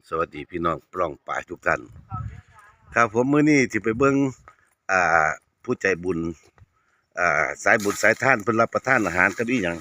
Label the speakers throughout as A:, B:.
A: สวัสดีพี่น้องปล้องป่ายทุกท่านครับผมมื้อนี้สิไปเบิ่งอ่าผู้ใจบุญสายบุญสายท่านเพิ่นรับประทานอาหารกับอีหยัง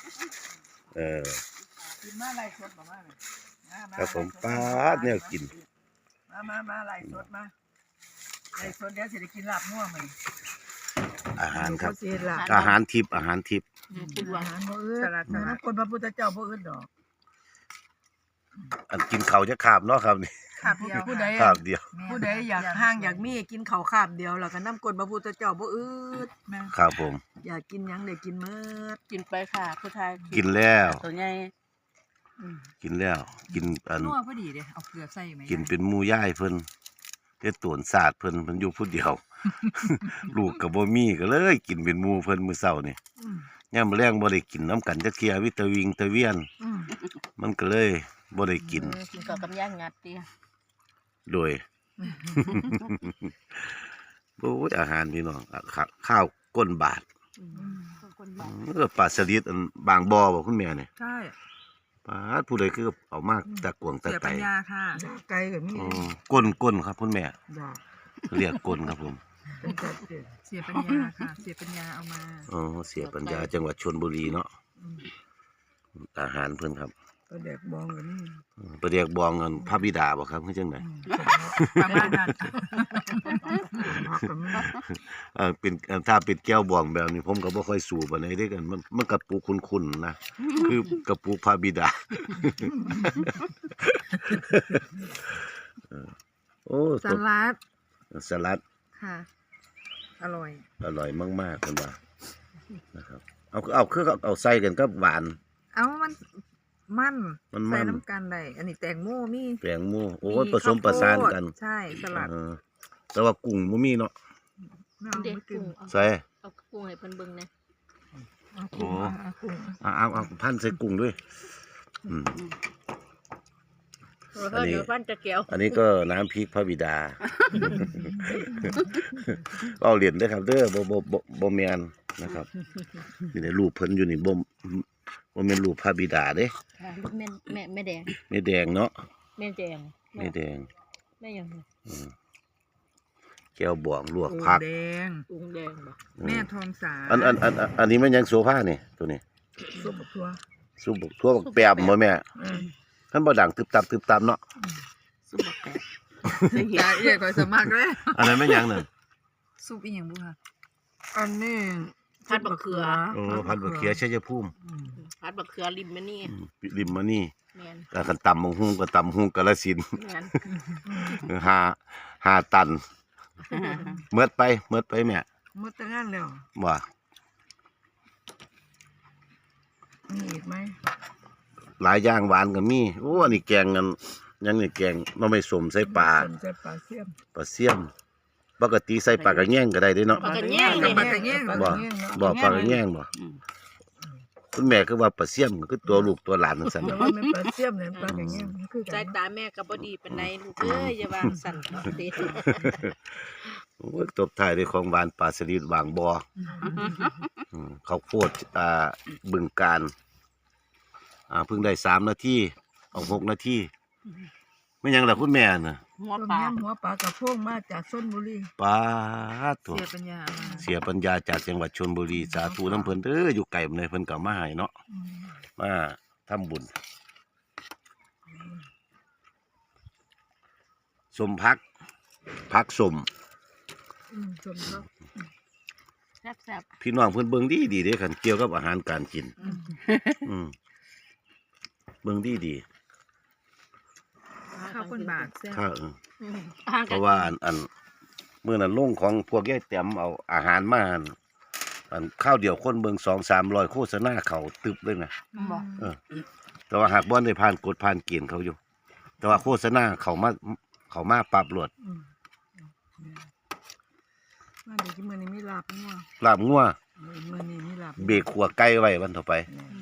B: กินมาไล่สดมาเลย
A: ครับผมป๊าดแนวกิน
B: มาไล่สดมาไล่สดเดี๋ยวสิได้กินลาบงัวมื้อนี้
A: อาหารครับ
B: เสียลาบ
A: อาหารทิพย์อาหารทิพย์
B: อาหารบ่อื่นนะคนพระพุทธเจ้าบ่อื่นดอก
A: อันกินข้าวจะขาบเนาะครับนี่
B: ขาบเดียวผู้ใด
A: ขาบเดียว
B: ผู้ใดอยากห่างอยากมีกินข้าวขาบเดียวแล้วก็นำกลพระพุทธเจ้าบ่อื่น
A: ครับผม
B: อยากกินหยังได้กินหมด
C: กินไปค่ะผู้ชาย
A: กินแล้ว
C: ตัวใหญ่
A: กินแล้วกินอัน
B: นัวพอดีเด้เอาเกลือใส่ไหม
A: กินเป็นหมู่ย่ายเพิ่นเฮ็ดตวนศาสตร์เพิ่นอยู่ผู้เดียว ลูกก็บ่มีก็เลยกินเป็นหมู่เพิ่นมื้อเช้านี่ยามมื้อแลงบ่ได้กินน้ำกันจักเที่ยวิตาวิงตะเวียนมันก็เลยบ่ได้กิน
C: กินกับกำย่างงัดเตี้ย
A: โดย โอ้ยอาหารพี่น้องข้าวก้นบาทปลาสลิดอันบางบ่อบ่คุณแม่นี่
B: ใช่
A: ปลาผู้ใดคือเอามากตะกวงตะ
B: เสีย
A: ไต
B: ปัญญาค่ะไก่ก็มี
A: ก้นครับคุณแม่
B: ดอก
A: เรียกก้นครับผม
B: เป็นจัดเสียปัญญาค่ะเสียปัญญาเอามา
A: อ๋อเสียปัญญาจังหวัดชลบุรีเนาะอาหารเพิ่นครับ
B: ปลาแดกบองก็มี
A: ประเดียกบองเงินพระบิดาบ่ครับคือจังได๋
B: ประมาณนั้น
A: เป็นถ้าเป็นแก้วบองแบบนี้ผมก็บ่ค่อยสูบปานใดเด้กันมันกระปุกคุ้นๆนะคือกระปุกพระบิดาโอ้
B: สลัด
A: สลัด
B: ค่ะอร่อย
A: อร่อยมากๆเพิ่นว่านะครับเอาคือเอาใส่กันกับหวาน
B: เอามัน
A: มัน
B: ใส่น้ำกันได้อันนี้แตงโมมี
A: แตงโมโอ้ยผสมประสานกัน
B: ใช่สลัด
A: แต่ว่ากุ้งบ่มีเนาะ
C: เด็กกุ้ง
A: ใส่
C: เอากุ้งให้เพิ่นเบิ่งนะ
A: โอ้เอาพันใส่กุ้งด้วย
C: เดี๋ยวพันจะเกี่ยว
A: อันนี้ก็น้ำพริกพระบิดาเอาเหรียญได้ครับเด้อบ่แม่นนะครับนี่ได้รูปเพิ่นอยู่นี่บ่แม่นรูปพระบิดาเด้
C: แม่แดง
A: แม่แดงเนาะ
C: แม่แดง
A: แม่แดง
C: แม่ยัง
A: แก้วบวงลวกผัก
B: แดง
C: กุ้งแดงบ่
B: แม่ทองสา
A: อันนี้มันยังโซฟานี่ตัวนี้
B: ซุปบักทั่ว
A: ซุปบักทั่วบักแปมบ่แม่ท่านบ่ดังตึบตับเนาะ
C: ซุปบักแตก
B: ตาเอี่ยก็สมัครเลย
A: อันนั้นแม่นหยังนั่น
B: ซุปอีหยังบุค่ะอันนี้
C: ผัดบักเขือ
A: โอ้พันบักเขียชัยภูมิ
C: ผัดบักเขือริมมานี่
A: ริมมานี่
C: แม่น
A: ก็คันตำบักหุ่งก็ตำหุ่งกาฬสินธุ์
C: แม่น
A: 5ตันเมิดไปแม่
B: หมดแต่งานแล้ว
A: ว่า
B: มีอีกไหม
A: หลายอย่างหวานก็มีโอ้อันนี้แกงกันยังนี่แกงหน่อไม้ส้มใส่ปลา
B: ใส่ปลาเสียม
A: เสี่ยมปกติใส่ปลากระแยงก็ได้เด้เนาะ
C: ปลากระแยงนี่
B: ปลากระแยง
A: บ่ปลากระแยงบ่คุณแม่คือว่าปลาเสี่ยมคือตัวลูกตัวหลานจังซั่น
B: แต่ว่ามันปลาเสียมเนี่ยปลากระแยงมันคือกั
C: สาย
B: น
C: ตาแม่ก็บ่ดีปานใดลูกเอ้ยอย่าวางสั่นเด้
A: โอ้ยตบท้ายด้วยของหวานปลาสลิดบางบ่อข้าวโพดบึงกาฬเพิ่งได้3นาทีเอา6นาทีไม่หยังล่ะคุณแม่น่ะ
C: หัว
B: ต้ม
C: ปลาย
B: ำหัวปลากระพงมาจากชลบุรี
A: ปาดตัว
B: เสียปัญญามา
A: เสียปัญญาจากจังหวัดชลบุรีสาธุน้ำเพิ่นเด้ออยู่ไกลบ่ได้เพิ่นก็มาให้เนาะมาทำบุญสมพักสม
B: ชมเขา
C: แซ่บ
A: พี่น้องเพิ่นเบิ่งดีเด้คันเกี่ยวกับอาหารการกินเบิ่งดี
B: ข้าวคนบาทแซ่บ
A: ข้าว
C: ๆ
A: เพราะว่าอันมื้อนั้นลงของพวกยายแต้มเอาอาหารมาอันข้าวเดียวคนเบิ่ง200-300โฆษณาเขาตึบเลยนะ
C: บ่
A: แต่ว่าหากบ่ได้ผ่านกฎผ่านเกณฑ์เขาอยู่ แต่ว่าโฆษณาเขามาปรับรวด
B: มาเดี๋ยวที่มื้อนี้มีลาบงัว
A: ลาบงัว
B: มื้อนี้มีลาบ
A: เบรกขัวไก่ไว้วันต่อไป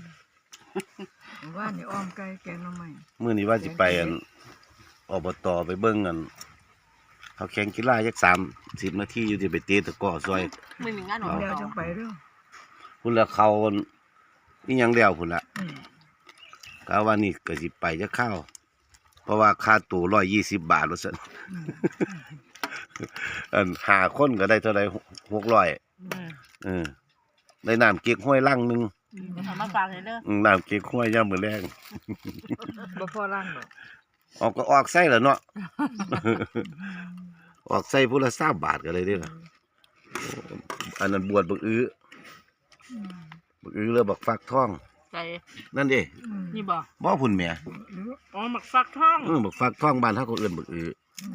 B: ว่านี่อ้อมไก่แกงหน่อไม้
A: มื้อนี้ว่าสิไปอบตไปเบิ่งเขาแข่งกีฬาจัก30นาทีอยู่ที่ไปเตะตะกร้อซอย
C: ไม่มีงานหรอก
B: เดี๋ยวจังไปเด้อ
A: พุ่นละเขานี่ยังแล้วพุ่นละกะว่านี่ก็สิไปจะเข้าวเพราะว่าค่าตั๋ว120 บาทว่าซั่น อันหาคนก็ได้เท่าไหร่600ได้น้ำเก๊กฮวยลังหนึง
C: เอามาฝากให้เด้อ
A: น้ำเก๊กฮวยยามมื้อแลง
B: บ่พอร่างหรอก
A: ออกก็ออกไส้แล้วเนาะ ออกไส้ผู้ละ3 บาทก็เลยเด้อล่ะอันนั้นบวชบักอื้อบักอื้อเลยบักฟักทอง
C: ใส่
A: นั่นเด้
C: นี่บ่
A: บ่พุ่นแหม
C: อ๋อหมักฟักทอง
A: บักฟักทองบ้านเฮาก็เอิ้นบักอื้อ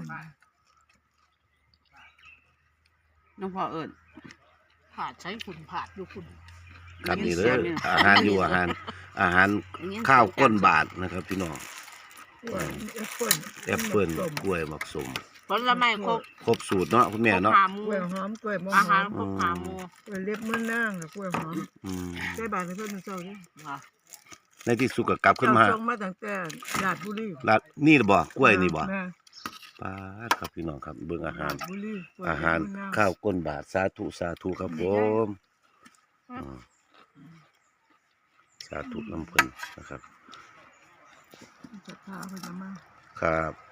C: น้องพ่อเอิ้นผาดใช้ขุนผาดอยู่คุณ
A: ครับนี่เด้ออาหารอยู่อาหารข้าวก้นบาทนะครับพี่น้อง
B: แอปเปิ้ล
A: แอปเปิ้ลกล้วยมักสม
C: ผลไม้ครบ
A: ครบสูตรเนาะคุณแม่เนาะ
C: ครบหาหมู
B: กล้วยหอมกล้วยมะ
C: อา
B: ห
C: หา
B: อ
C: ร
B: ม
C: ครบหาหมู
B: กล้วยเล็บมือนางกับกล้วยหอม
A: อืม
B: ใส่บาทให้เพิ่นมื้อเช้าเด้
C: ว่ะ
A: ในที่สุดก็กลับขึ้นมา
B: เจ้ส่งมาตั้งแต่ราชบุรี
A: ลาดนี่บ่กล้วยนี่บ่
B: แม่
A: ปาดครับพี่น้องครับเบิ่งอาหาร
B: ชบุรีกล้วย
A: อาหาร
B: เล็บมือนาง
A: ข้าวก้นบาทสาธุครับผมสาธุน้ำเพิ่นนะครับ
B: ศรัทธาเพิ่นเอามา
A: ครับ